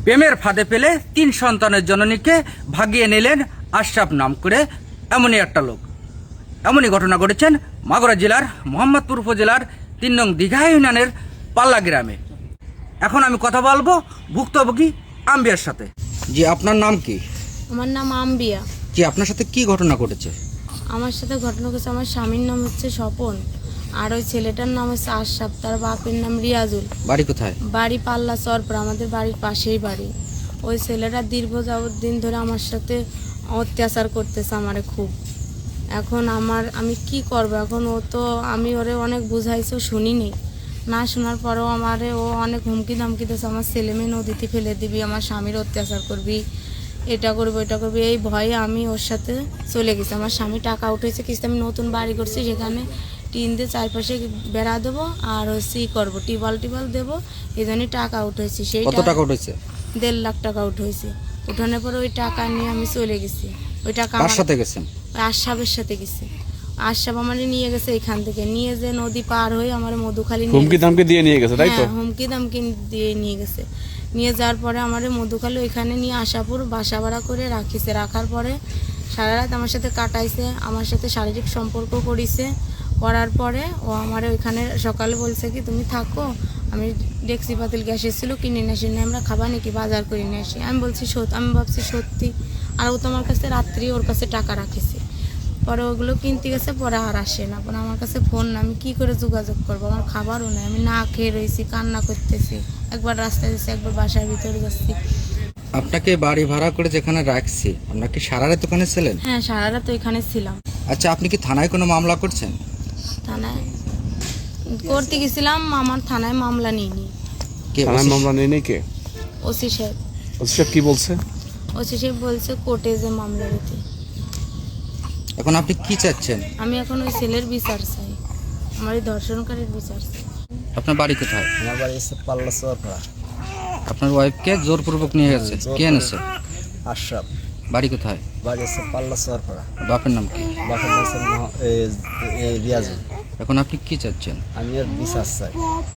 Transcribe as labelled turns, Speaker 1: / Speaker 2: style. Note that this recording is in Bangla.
Speaker 1: প্রেমের ফাঁদে পেলে 3 সন্তানের জননীকে ভাগিয়ে নিলেন আশরাফ নাম করে এমনই একটা লোক। এমনই ঘটনা ঘটেছেন মাগুরা জেলার মোহাম্মদপুর উপজেলার 3 নং দীঘা ইউনিয়নের পাল্লা গ্রামে। এখন আমি কথা বলবো ভুক্তভোগী আম্বিয়ার সাথে। জি, আপনার নাম কি?
Speaker 2: আমার নাম আম্বিয়া।
Speaker 1: জি, আপনার সাথে কি ঘটনা ঘটেছে?
Speaker 2: আমার সাথে ঘটনা ঘটেছে, আমার স্বামীর নাম হচ্ছে স্বপন, আর ওই ছেলেটার নাম হচ্ছে আশরাফ, তার বাপের নাম রিয়াজুল।
Speaker 1: বাড়ি কোথায়?
Speaker 2: বাড়ি পাল্লা চরপুর, আমাদের বাড়ির পাশেই বাড়ি। ওই ছেলেটা দীর্ঘ যাবৎ দিন ধরে আমার সাথে অত্যাচার করতেছে আমারে খুব। এখন আমি কি করব? এখন আমি ওরে অনেক বুঝাইছি, শুনিনি। না শোনার পরেও ও অনেক হুমকি ধামকি দিয়েছে, আমার ছেলে মেয়ে নদীতে ফেলে দিবি, আমার স্বামীর অত্যাচার করবি, এটা করবি ওটা করবি। এই ভয়ে আমি ওর সাথে চলে গেছি। আমার স্বামী টাকা উঠেছে কিস্তি, আমি নতুন বাড়ি করছি, সেখানে টিন দিয়ে চারপাশে বেড়া দেবো আর করবো, টিবল দেবো, এই জন্যই টাকা উঠেছি। সেই
Speaker 1: কত টাকা উঠেছে?
Speaker 2: 1.5 লাখ টাকা উঠেছে। উঠানোর পরে ওই টাকা নিয়ে আমি চলে গেছি। ওই টাকা
Speaker 1: কার সাথে গেছেন?
Speaker 2: আশরাফের সাথে গেছি। আশরাফ আমার নিয়ে গেছে, এখান থেকে নিয়ে যে নদী পার হয়ে আমার মধুখালী
Speaker 3: হুমকি ধামকি দিয়ে নিয়ে গেছে, তাই তো?
Speaker 2: হুমকি ধামকি দিয়ে নিয়ে গেছে। নিয়ে যাওয়ার পরে আমার মধুখালী ওইখানে নিয়ে আশাপুর বাসা ভাড়া করে রাখিছে। রাখার পরে সারা রাত আমার সাথে কাটাইছে, আমার সাথে শারীরিক সম্পর্ক করিছে। করার পরে ও আমার ওইখানে সকালে বলছে কি তুমি থাকো, আমি ডেক্সি পাতিল গ্যাস এসেছিল কিনে নিয়ে আসি, আমরা খাবা নাকি, বাজার করে নিয়ে আসি। আমি ভাবছি সত্যি। আর ও তো আমার কাছে রাত্রি ওর কাছে টাকা রাখেছে। পরে ওগুলো কিনতে গেছে, পরে আর আসে না। পরে আমার কাছে ফোন না, আমি কী করে যোগাযোগ করবো? আমার খাবারও নেই, আমি না খেয়ে রয়েছি, কান্না করতেছি। একবার রাস্তায় যাচ্ছি, একবার বাসার ভিতরে যাচ্ছি।
Speaker 1: আপনাকে বাড়ি ভাড়া করে যেখানে রাখছি, আপনার কি সারা রাত ওখানে ছিলেন?
Speaker 2: হ্যাঁ, সারা রাত ওইখানে ছিলাম।
Speaker 1: আচ্ছা, আপনি কি থানায় কোনো মামলা করছেন?
Speaker 2: থানায় করতে গেছিলাম, আমার থানায় মামলা নিইনি।
Speaker 1: কে
Speaker 3: থানায় মামলা নেই কে?
Speaker 2: ওসি সাহেব।
Speaker 3: ওসি সাহেব কি বলছে?
Speaker 2: ওসি সাহেব বলছে কোর্টে যে মামলা দিতে।
Speaker 1: এখন আপনি কি চাচ্ছেন?
Speaker 2: আমি এখন ওই ছেলের বিচার চাই, আমার এই ধর্ষণকারীর বিচার চাই।
Speaker 1: আপনার বাড়ি কোথায়?
Speaker 4: আমার বাড়ি হচ্ছে পাল্লা চরপাড়া।
Speaker 1: আপনার ওয়াইফকে জোরপূর্বক নিয়ে গেছে, কে এনেছে?
Speaker 4: আশরাফ।
Speaker 1: বাড়ি কোথায়?
Speaker 4: বাড়ি হচ্ছে পাল্লা চরপাড়া।
Speaker 1: বাপের নাম কি?
Speaker 4: বাসার নাম হচ্ছে রিয়াজুল।
Speaker 1: এখন আপনি কি চাচ্ছেন?
Speaker 4: আমি আর বিচার চাই।